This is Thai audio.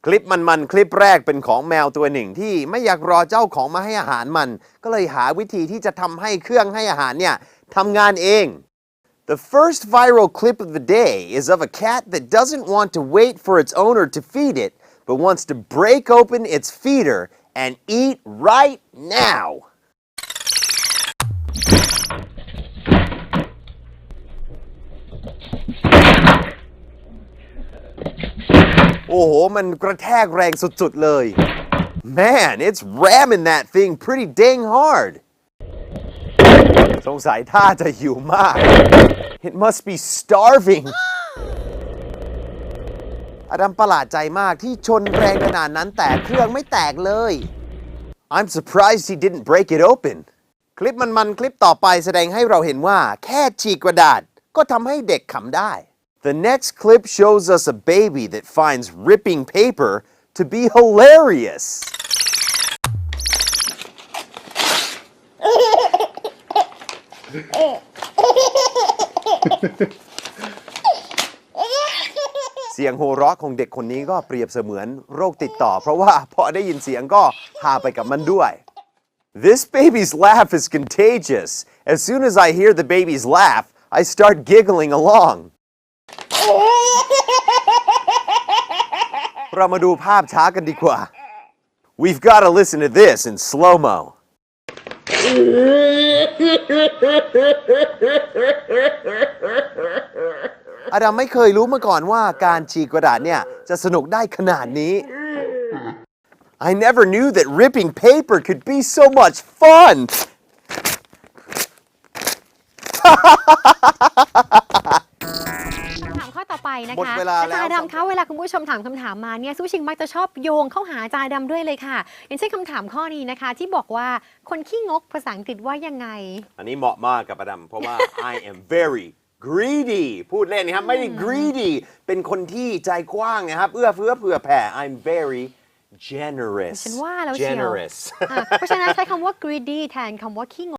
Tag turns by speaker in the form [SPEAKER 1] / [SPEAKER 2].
[SPEAKER 1] คลิปมันคลิปแรกเป็นของแมวตัวหนึ่งที่ไม่อยากรอเจ้าของมาให้อาหารมันก็เลยหาวิธีที่จะทำให้เครื่องให้อาหารเนี่ยทำงานเอง The first viral clip of the day is of a cat that doesn't want to wait for its owner to feed it but wants to break open its feeder and eat right now โอ้โหมันกระแทกแรงสุดๆเลย Man it's ramming that thing pretty dang hard สงสัยท่าจะหิวมาก It must be starving อดัมประหลาดใจมากที่ชนแรงขนาดนั้นแต่เครื่องไม่แตกเลย I'm surprised he didn't break it open คลิปมันคลิปต่อไปแสดงให้เราเห็นว่าแค่ฉีกกระดาษก็ทำให้เด็กขำได้ The next clip shows us a baby that finds ripping paper to be hilarious เสียงโห่เราะของเด็กคนนี้ก็เปรียบเสมือนโรคติดต่อเพราะว่าพอได้ยินเสียงก็พาไปกับมันด้วย This baby's laugh is contagious. As soon as I hear the baby's laugh, I start giggling along. เรามาดูภาพช้ากันดีกว่า We've got to listen to this in slow-mo. อดัมไม่เคยรู้มาก่อนว่าการฉีกกระดาษเนี่ยจะสนุกได้ขนาดนี้ I never knew that ripping paper could be so much fun
[SPEAKER 2] คำถามข้อต่อไปนะคะ
[SPEAKER 1] หมดเวลาแล้ว
[SPEAKER 2] อาจารย์ดำคะเวลาคุณผู้ชมถามคำถามมาเนี่ยสู้ชิงมักจะชอบโยงเข้าหาอาจารย์ดำด้วยเลยค่ะ อย่างเช่นคำถามข้อนี้นะคะที่บอกว่าคนขี้งกภาษาอังกฤษว่ายังไง
[SPEAKER 1] อันนี้เหมาะมากกับอดัมเพราะว่า I am very greedy พูดเล่นนะครับไม่ได้ greedy เป็นคนที่ใจกว้างนะครับเอื้อเฟื้อเผื่อแผ่ I'm very generous
[SPEAKER 2] ฉันว่าแล้วเชียว
[SPEAKER 1] generous
[SPEAKER 2] เพราะฉะนั้นใช้คำว่า greedy แทนคำว่าขี้งก